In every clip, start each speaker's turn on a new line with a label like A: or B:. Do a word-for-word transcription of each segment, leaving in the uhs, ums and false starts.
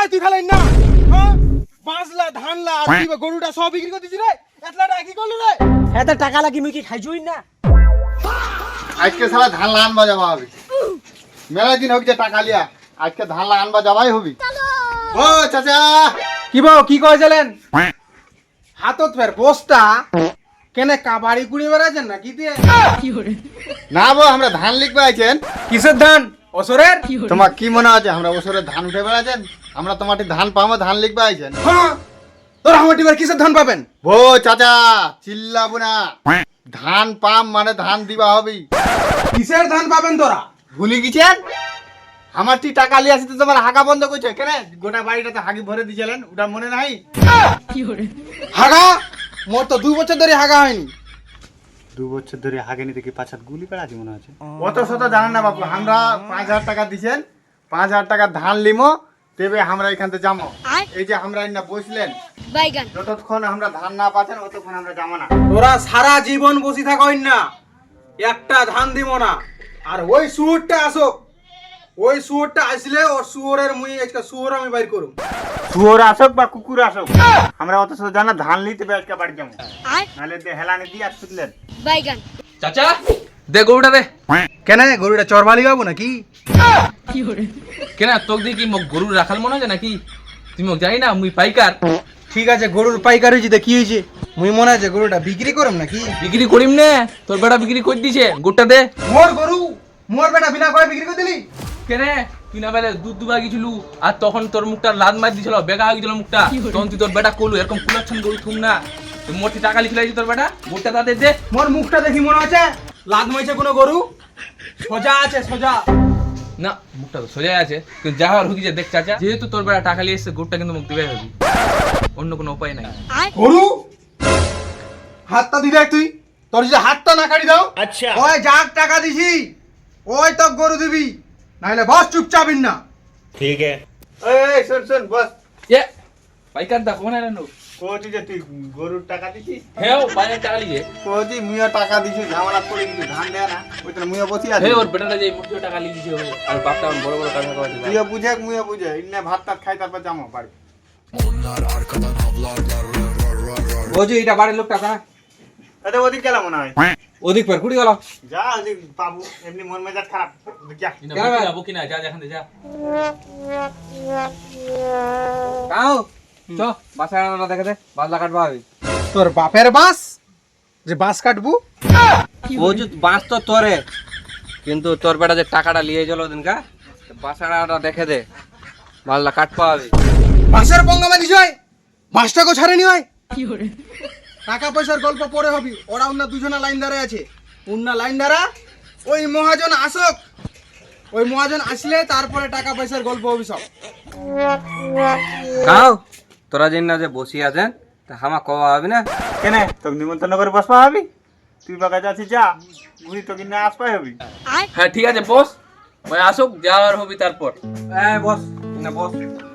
A: আয় তুই খালি না হ্যাঁ বাঁচলা ধানলা আর কি গরুটা সব বিক্রি করে দিছি রে এতলা টাকা কি করলি রে
B: এত টাকা লাগি মুই কি খাইছুই না
C: আজকে সারা ধান আনবা যাওয়া হবে মেলা দিন হোক যে টাকা লিয়া আজকে ধান আনবা যাওয়াই হবি ও চাচা
A: কি বাও কি কইছিলেন হাতত ফের বস্তা কেনে কাবাড়ি কুড়ি বেড়াছেন না কি দিয়ে
C: না বো আমরা ধান লিখবে আইছেন
A: কিসের ধান অসরের
C: তোমার কি মনে আছে আমরা ওসরে ধান উঠে বেড়াছেন আমরা তোমার ধান পাবো ধান লিখবে আইছেন
A: হ্যাঁ তোর আমার টিবার কিসের ধান পাবেন
C: ও চাচা চিল্লাবো না ধান পাম মানে ধান দিবা হবি
A: কিসের ধান পাবেন তোরা
C: ভুলে গেছেন আমার টি টাকা লিয়ে আসতে তোমার হাগা বন্ধ করছে কেন গোটা বাড়িটাতে হাগি ভরে দিয়েছিলেন ওটা মনে নাই
A: হাগা মোর তো দুই বছর ধরে হাগা হয়নি
C: দু বছর ধরে হাগে নিতে কি পাঁচ হাত গুলি পেড়াছি মনে আছে অত শত জানেন না বাপু আমরা পাঁচ হাজার টাকা দিছেন পাঁচ হাজার টাকা ধান লিমো তেবে আমরা এখান থেকে যাবো এই যে আমরা না বসলেন যতক্ষণ আমরা ধান না পাচ্ছেন ততক্ষণ আমরা যাবো না
A: তোরা সারা জীবন বসে থাকইন না একটা ধান দিব না আর ওই সুরটা আসো ওই সুরটা আসলে ওর সুরের মুই আজকে সুর আমি বাইর করুম
C: শুয়োর আসুক বা কুকুর আসুক আমরা অত শত জানা ধান লিতে আজকে বাড়ি যাবো নাহলে হেলানি দিয়ে আর শুনলেন
D: চাচা দে গরুটা দে
A: কেন গরুটা চরবালি গাবো নাকি
D: কেন তোক দিয়ে কি মোক গরু রাখাল মনে হয় নাকি তুই মোক জানি না মুই পাইকার
A: ঠিক আছে গরুর পাইকার হয়েছে তা কি হয়েছে মুই মনে আছে গরুটা বিক্রি করম নাকি
D: বিক্রি করিম নে তোর বেটা বিক্রি করে দিছে গোটা দে
A: মোর গরু মোর বেটা বিনা করে বিক্রি করে দিলি
D: কেন তুই না বেলে দুধ দুবা গেছিলু আর তখন তোর মুখটা লাদ মার দিছিল বেগা হয়ে গেছিল মুখটা তখন তুই তোর বেটা কলু এরকম কুলাচ্ছন গরু থুম না তুই মোটি টাকা লিখে লাগছে তোর বেটা গোটা তাদের দে
A: মোর মুখটা দেখি মনে আছে লাদ মাইছে কোনো গরু সোজা আছে সোজা
D: না মুখটা তো সোজা আছে কিন্তু যা হওয়ার হুকিছে দেখ চাচা যেহেতু তোর বেটা টাকা লিয়ে এসছে গরুটা কিন্তু মুখ দিবাই হবে অন্য কোনো উপায় নাই
A: গরু হাতটা দিলে তুই তোর যদি হাতটা না কাটি দাও আচ্ছা ওই যাক টাকা দিছি ওই তো গরু দিবি নাইলে বস চুপচাপ না
C: ঠিক আছে এই এই শুন শুন বস
D: এ পাইকার দা কোন আনো
C: কোচি যে তুই গরুর টাকা দিছিস
D: হেও বাইরে টাকা লিয়ে
C: কোচি মুইও টাকা দিছি ঝামেলা করে কিন্তু ধান দেয় না ওইটা মুইও বসি আছে
D: হে ওর বেটাটা যে মুখে টাকা লিয়ে দিছে আর বাপটা বড় বড় টাকা খাওয়াছে
C: মুইও বুঝে মুইও বুঝে ইন্নে ভাত টাত খাই তারপর যাবো বাড়ি
A: ওই যে এটা বাড়ির লোকটা না
C: এটা ওদিক গেলাম মনে হয়
A: ওদিক পর কুড়ি গেল
C: যা ওদিক পাবো এমনি মন মেজাজ খারাপ ওদিক যা
D: যাবো কিনা যা যেখান থেকে যা
B: কাও চ বাসাটা দেখে দে বাজলা কাটবা হবে
A: তোর বাপের বাস যে বাস কাটবো
B: ও যে বাস তো তোরে কিন্তু তোর বেটা যে টাকাটা লিয়ে গেল দিনকা বাসাটা দেখে দে বাজলা কাটবা হবে
A: বাসের পঙ্গামা দিছ বাসটাকে ছাড়েনি হয় টাকা পয়সার গল্প পরে হবি ওরা অন্য দুজনা লাইন দাঁড়ায় আছে অন্য লাইন দাঁড়া ওই মহাজন আসক ওই মহাজন আসলে তারপরে টাকা পয়সার গল্প হবি সব
B: কাও তোরা যেন না যে বসি আছেন তা হামা কওয়া হবে না
C: কেনে তোকে নিমন্ত্রণ করে বসবা হবি তুই বাগা যাচ্ছিস যা ঘুরি তোকে না আসবাই হবি
D: হ্যাঁ ঠিক আছে বস ভাই আসুক যাওয়ার হবি তারপর
B: এই বস না বস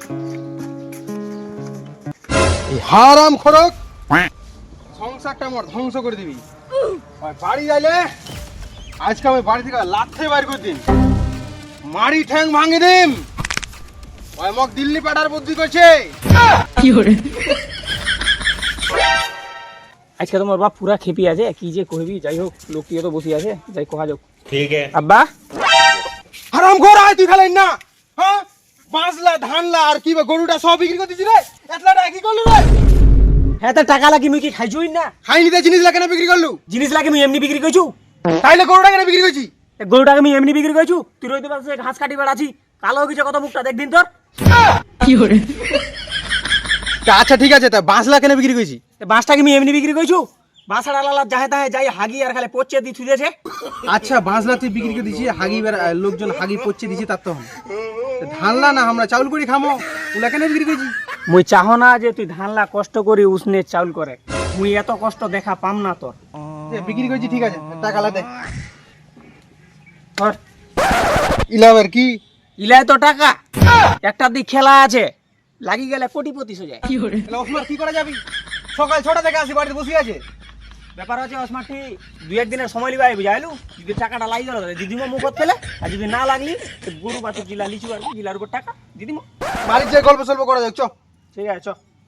A: হারাম খরক সংসারটা আমার ধ্বংস করে দিবি ওই বাড়ি যাইলে আজকে আমি বাড়ি থেকে লাথে বাইর করে দিন মারি ঠ্যাং ভাঙে দিম ওই মক দিল্লি পাঠার বুদ্ধি করছে
B: আজকে তোমার বাপ পুরা খেপি আছে কি যে কইবি যাই হোক লোকটি তো বসি আছে যাই কোহা যাক
C: ঠিক আছে
B: আব্বা
A: হারাম খোর আয় তুই খালি না হ্যাঁ বাঁচলা ধানলা আর কি গরুটা সব বিক্রি করে দিছি রে এতলা টাকা কি করলি রে
B: হ্যাঁ তো টাকা লাগি মুই কি খাইছুই না
A: খাইনি তে জিনিস লাগে না বিক্রি করলু
B: জিনিস লাগে মুই এমনি বিক্রি কইছু
A: তাইলে গরুটা কেন বিক্রি করছি
B: এ গরুটাকে আমি এমনি বিক্রি কইছু তুই রইতে পারছিস ঘাস কাটি বেড়াছি কালো হইছে কত মুখটা দেখ দিন তোর কি হরে
A: আচ্ছা ঠিক আছে তা বাঁচলা কেন বিক্রি করছি
B: বাঁশটাকে আমি এমনি বিক্রি কইছু বাঁশার আলালা যাহে তাহে যাই হাগি আর খালি পচে দি থুইছে
A: আচ্ছা বাঁচলা তুই বিক্রি করে দিছি হাগি লোকজন হাগি পচে দিছি তার তখন ধানলা না আমরা চাউল করে খামো ওলা কেন বিক্রি করছি
B: মুই চাহ না যে তুই ধানলা কষ্ট করি উসনে চাউল করে মুই এত কষ্ট দেখা পাম না তোর
A: বিক্রি করছি ঠিক আছে টাকা লা দে
B: ধর
A: ইলাবের কি
B: ইলাই তো টাকা একটা দিক খেলা আছে লাগি গেলে কোটিপতি হয়ে যায়
A: ওসমান কি করে যাবি সকাল ছটা থেকে আসি বাড়িতে বসে আছে
E: ব্যাপার হচ্ছে অসমাঠি দুই একদিনের সময় লিবাই বুঝাইলু যদি টাকাটা লাগি গেল দিদিমা মুখত ফেলে আর যদি না লাগলি তো গরু বাছুর জিলা লিচু আর জিলার উপর টাকা দিদিমা
A: বাড়ির যে গল্প সল্প করা যাক চ
E: ঠিক আছে চ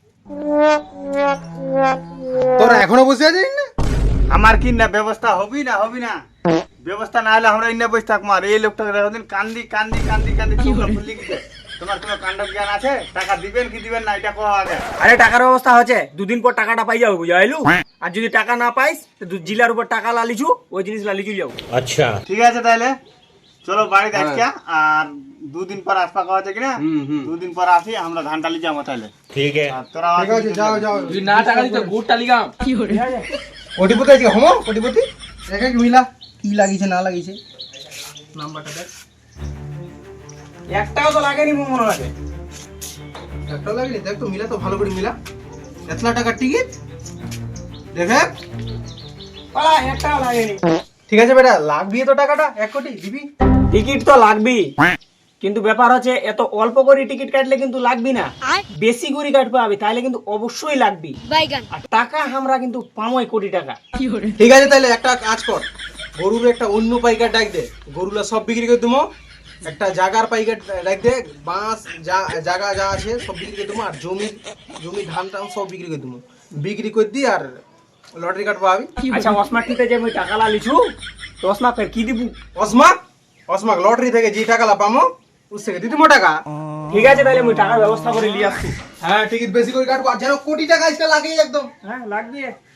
A: তোরা এখনো বসে আছিস না
C: আমার কি না ব্যবস্থা হবি না হবি না ব্যবস্থা না হলে আমরা ইন্না বসে থাকবো আর এই লোকটাকে দেখো দিন কান্দি কান্দি কান্দি কান্দি চোখটা ফুলি গেছে তোমার কোনো কাণ্ড জ্ঞান আছে টাকা দিবেন কি দিবেন না এটা কো আগে
E: আরে টাকার ব্যবস্থা হচ্ছে দুদিন পর টাকাটা পাই যাবো বুঝাইলু আর যদি টাকা না পাইস তো দু- জিলার উপর টাকা লালিছু ওই জিনিস লালিছু যাবো
C: ঠিক আছে তাহলে চলো বাড়িতে আজকে আর দুদিন পর আসপা খাওয়া আছে কিনা দুদিন পর আসি আমরা ধান টালি যাবো তাহলে ঠিক আছে তোরা
A: ঠিক আছে যাও যাও
D: যদি না টাকা দিতে গুড়টা লিগাম
A: কোটিপতি আজকে হমো কোটিপতি দেখে কি মিলা কি লাগিয়েছে না লাগিয়েছে নাম্বারটা দেখ
E: একটাও তো লাগেনি মনে লাগে
A: একটা লাগেনি দেখ তো মিলা তো ভালো করে মিলা এতলা টাকার টিকিট দেখে
E: পালা একটাও লাগেনি
A: ঠিক আছে বেটা লাগবি তো টাকাটা এক কোটি দিবি
E: টিকিট তো লাগবি কিন্তু ব্যাপার হচ্ছে এত অল্প করে টিকিট কাটলে কিন্তু লাগবি না বেশি করে কাটতে হবে তাহলে কিন্তু অবশ্যই লাগবি আর টাকা আমরা কিন্তু পামোই কোটি টাকা
A: ঠিক আছে তাহলে একটা কাজ কর গরুর একটা অন্য পাইকার ডাক দে গরুলা সব বিক্রি করে দেবো একটা জাগার পাইকার ডাক দে বাঁশ যা জায়গা যা আছে সব বিক্রি করে দেবো আর জমি জমি ধান টান সব বিক্রি করে দেবো বিক্রি করে দিই আর লটারি কাটবো আমি
E: আচ্ছা অসমাটিতে যে আমি টাকা লালিছু তো অসমা ফের কি দিব
A: অসমাক অসমাক লটারি থেকে যে টাকালা পামো উস থেকে দিতে মো টাকা
E: ঠিক আছে তাহলে আমি টাকার ব্যবস্থা করে নিয়ে আসছি
A: হ্যাঁ টিকিট বেশি করে কাটবো আর যেন কোটি টাকা আজকে লাগে একদম
E: হ্যাঁ লাগবে